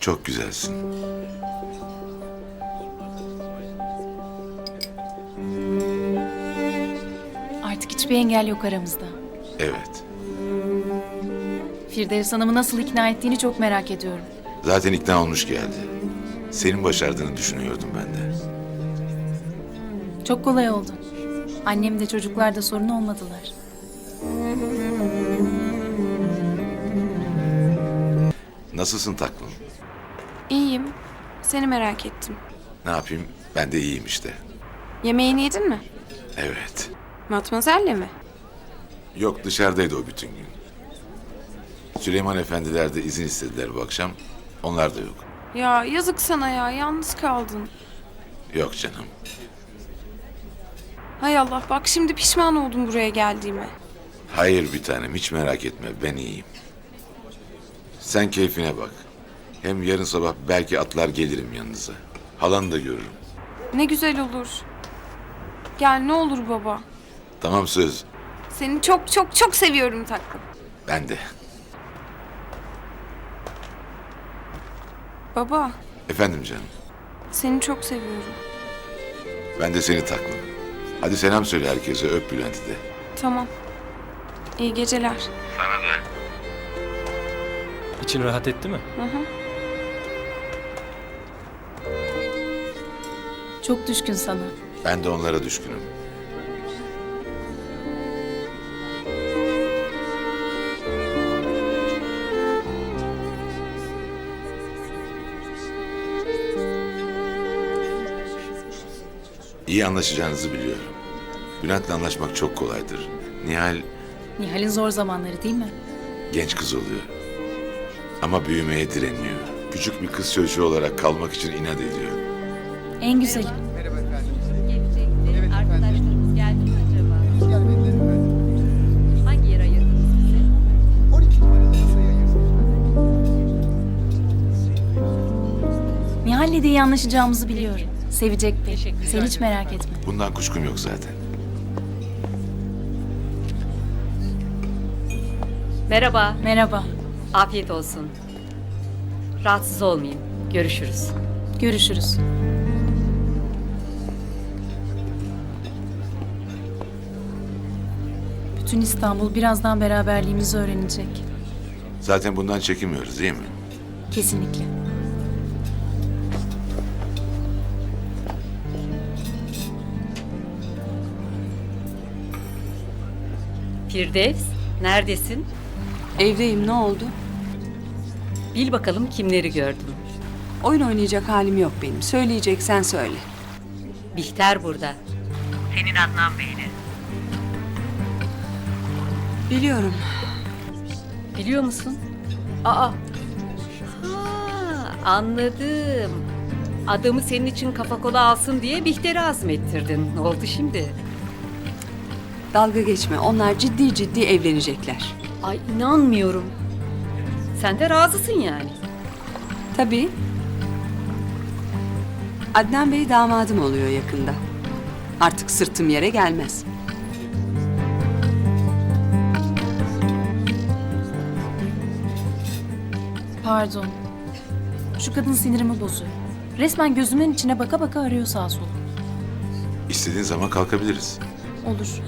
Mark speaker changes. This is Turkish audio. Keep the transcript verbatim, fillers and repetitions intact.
Speaker 1: Çok güzelsin.
Speaker 2: Artık hiçbir engel yok aramızda.
Speaker 1: Evet.
Speaker 2: Firdevs Hanım'ı nasıl ikna ettiğini çok merak ediyorum.
Speaker 1: Zaten ikna olmuş geldi. Senin başardığını düşünüyordum ben de.
Speaker 2: Çok kolay oldu. Annem de çocuklar da sorun olmadılar.
Speaker 1: Nasılsın taklım?
Speaker 3: İyiyim. Seni merak ettim.
Speaker 1: Ne yapayım? Ben de iyiyim işte.
Speaker 3: Yemeğini yedin mi?
Speaker 1: Evet.
Speaker 3: Matmazel'le mi?
Speaker 1: Yok, dışarıdaydı o bütün gün. Süleyman efendiler de izin istediler bu akşam. Onlar da yok.
Speaker 3: Ya yazık sana ya. Yalnız kaldın.
Speaker 1: Yok canım.
Speaker 3: Hay Allah, bak şimdi pişman oldum buraya geldiğime.
Speaker 1: Hayır bir tanem, hiç merak etme, ben iyiyim. Sen keyfine bak. Hem yarın sabah belki atlar gelirim yanınıza. Halanı da görürüm.
Speaker 3: Ne güzel olur. Gel ne olur baba.
Speaker 1: Tamam, söz.
Speaker 3: Seni çok çok çok seviyorum tatlım.
Speaker 1: Ben de.
Speaker 3: Baba,
Speaker 1: Efendim canım.
Speaker 3: seni çok seviyorum.
Speaker 1: Ben de seni taklım. Hadi selam söyle herkese, öp Bülent'i de.
Speaker 3: Tamam. İyi geceler.
Speaker 1: Sana da.
Speaker 4: İçin rahat etti mi?
Speaker 3: Hı hı.
Speaker 2: Çok düşkün sana.
Speaker 1: Ben de onlara düşkünüm. İyi anlaşacağınızı biliyorum. Bülent'le anlaşmak çok kolaydır. Nihal
Speaker 2: Nihal'in zor zamanları değil mi?
Speaker 1: genç kız oluyor. Ama büyümeye direniyor. Küçük bir kız çocuğu olarak kalmak için inat ediyor.
Speaker 2: En güzeli.
Speaker 5: Gelecekti. Arkadaşlarımız geldi mi acaba?
Speaker 6: Gelmediler efendim.
Speaker 5: Hangi yer ayırdınız bize?
Speaker 6: on iki numaralı masaya ayırdım.
Speaker 2: Nihal'le de iyi anlaşacağımızı biliyorum. Sevecek beni.
Speaker 5: Teşekkürler.
Speaker 2: Sen hiç merak etme.
Speaker 1: Bundan kuşkum yok zaten.
Speaker 5: Merhaba.
Speaker 2: Merhaba.
Speaker 5: Afiyet olsun. Rahatsız olmayın. Görüşürüz.
Speaker 2: Görüşürüz. Bütün İstanbul birazdan beraberliğimizi öğrenecek.
Speaker 1: Zaten bundan çekinmiyoruz değil mi?
Speaker 2: Kesinlikle.
Speaker 5: Firdevs, neredesin?
Speaker 7: Evdeyim, ne oldu?
Speaker 5: Bil bakalım kimleri gördüm.
Speaker 7: Oyun oynayacak halim yok benim. Söyleyeceksen söyle.
Speaker 5: Bihter burada. Senin Adnan Bey'le.
Speaker 7: Biliyorum.
Speaker 5: Biliyor musun? Aa. Ha, anladım. Adamı senin için kafa kola alsın diye Bihter'i azmettirdin. Ne oldu şimdi?
Speaker 7: Dalga geçme. Onlar ciddi ciddi evlenecekler.
Speaker 5: Ay inanmıyorum. Sen de razısın yani.
Speaker 7: Tabii. Adnan Bey damadım oluyor yakında. Artık sırtım yere gelmez.
Speaker 2: Pardon. Şu kadın sinirimi bozuyor. Resmen gözümün içine baka baka arıyor sağa sola.
Speaker 1: İstediğin zaman kalkabiliriz.
Speaker 2: Olur.